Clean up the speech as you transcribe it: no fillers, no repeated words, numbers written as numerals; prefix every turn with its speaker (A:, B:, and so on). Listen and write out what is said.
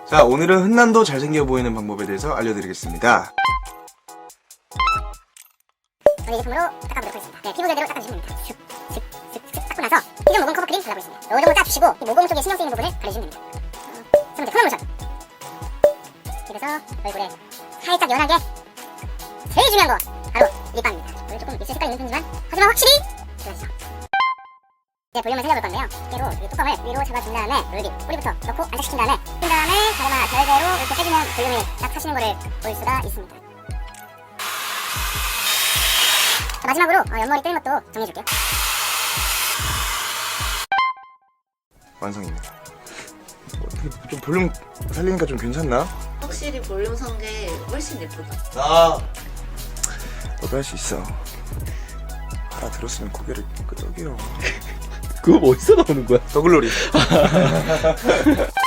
A: 자, 오늘은 흔남도 잘생겨 보이는 방법에 대해서 알려드리겠습니다.
B: 저는 이 제품으로 닦아보도록 하겠습니다. 네, 피부 결대로 닦아주시면 됩니다. 쓱쓱쓱쓱 닦고 나서 피부 모공 커버 크림 발라보겠습니다. 이 정도 짜주시고 이 모공 쪽에 신경 쓰이는 부분을 바르시면 됩니다. 세 번째, 톤업 모션. 그래서 얼굴에 살짝 연하게 제일 중요한 거 바로 립밤입니다. 오늘 조금 입술 색깔이 있는 편이지만 하지만 확실히 좋아지죠. 이제 볼륨을 살려볼 건데요. 깨로 이 뚜껑을 위로 잡아준 다음에 롤립 뿌리부터 넣고 안착시킨 다음에 핀 다음에 가르마 결대로 이렇게 빼주면 볼륨이 딱 사시는 거를 볼 수가 있습니다. 자, 마지막으로 옆머리 뜨는 것도 정리해줄게요.
A: 완성입니다. 어떻게 좀 볼륨 살리니까 좀 괜찮나?
C: 확실히 볼륨 선 게 훨씬 예쁘다.
A: 너도 할 수 있어. 알아들었으면 고개를 끄덕여.
D: 그거 어디서 나오는 거야?
A: 더글로리.